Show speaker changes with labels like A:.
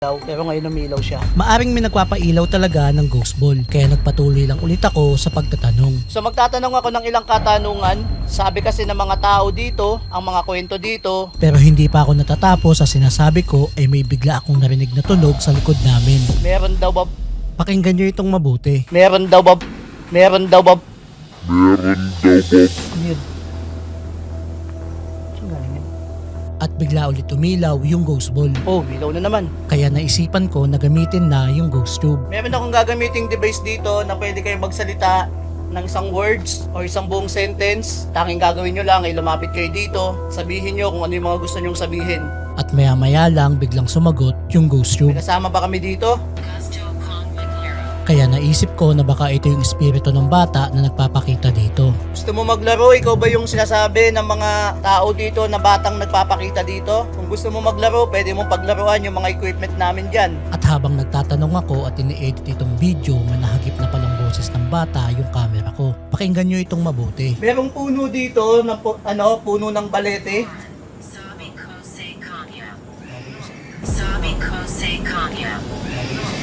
A: pero ngayon umilaw siya.
B: Maaring may nagpapailaw talaga ng ghost ball, kaya nagpatuloy lang ulit ako sa pagtatanong.
A: So magtatanong ako ng ilang katanungan. Sabi kasi ng mga tao dito, ang mga kwento dito.
B: Pero hindi pa ako natatapos sa sinasabi ko ay may bigla akong narinig na tunog sa likod namin.
A: Meron daw ba?
B: Pakinggan nyo itong mabuti.
A: Meron daw ba? Meron daw ba? Yun. Saan galing yun?
B: At bigla ulit umilaw yung ghost ball.
A: Oh, umilaw na naman.
B: Kaya naisipan ko na gamitin na yung ghost tube.
A: Meron akong gagamiting device dito na pwede kayo magsalita ng isang words o isang buong sentence. Tanging gagawin nyo lang ay lumapit kayo dito. Sabihin nyo kung ano yung mga gusto nyong sabihin.
B: At maya maya lang biglang sumagot yung ghost tube.
A: May kasama ba kami dito?
B: Kaya naisip ko na baka ito yung espiritu ng bata na nagpapakita dito.
A: Gusto mo maglaro? Ikaw ba yung sinasabi ng mga tao dito na batang nagpapakita dito? Kung gusto mo maglaro, pwede mong paglaruan yung mga equipment namin dyan.
B: At habang nagtatanong ako at ini-edit itong video, may nahagip na palang boses ng bata yung camera ko. Pakinggan nyo itong mabuti.
A: Merong puno dito, na puno ng balete.
C: Sabi ko say kanya. Sabi ko say kanya.